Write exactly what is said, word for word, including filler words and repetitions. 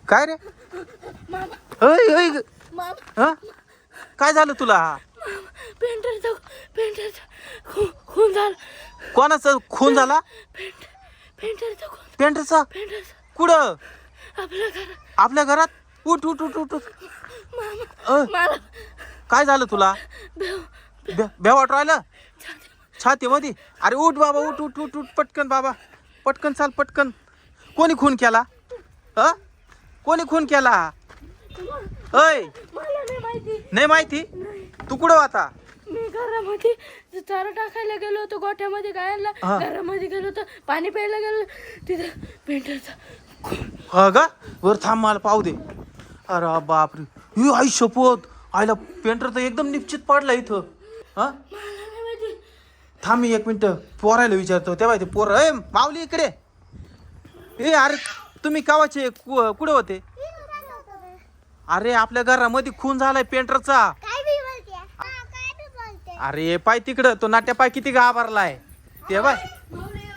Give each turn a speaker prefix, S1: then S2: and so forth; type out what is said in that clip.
S1: काय रे
S2: मामा
S1: ऐ ऐ ग-
S2: मामा
S1: हं? काय झालं तुला
S2: पेंटरचा पेंटरचा खून खून झाला.
S1: कोणाचा खून झाला
S2: पेंटर पेंटरचा खून
S1: पेंटरचा
S2: पेंटरचा
S1: कुठं
S2: आपल्या घरात.
S1: आपल्या घरात उठ उठ उठ उठ उठ.
S2: मामा
S1: अ,
S2: मला
S1: काय झालं तुला
S2: बेव
S1: भे- भ्या वाटू राहिलं
S2: छाती
S1: छातीमध्ये अरे उठ बाबा उठ उठ उठ उठ पटकन बाबा पटकन चाल पटकन कोणी खून केला ह कोणी खून केला ऐ
S2: मला नाही माहिती.
S1: नाही माहिती तू कुठं होता
S2: मी घरामध्ये चारा टाकायला गेलो होतो गोठ्यामध्ये गायांना.
S1: हा.
S2: घरामध्ये गेलो होतो पाणी प्यायला गेलो तिथं पेंटरचा खून.
S1: हा का वर थांब मला पाहू दे अरे बापरे ही आई शपथ आईला पेंटर तर एकदम निश्चित पडला इथं हा
S2: मला नाही माहिती.
S1: थांब मी एक मिनिट पोरायला विचारतो तेव्हा ते पोर ए माऊली इकडे ए अरे तुम्ही कावाचे कु- कुठे होते अरे आपल्या घरामध्ये खून झालाय पेंटरचा
S3: काय बी बोलते हा, काय बी बोलते
S1: अरे पाय तिकडं तो नाट्या पाय किती घाबरलाय ते बाय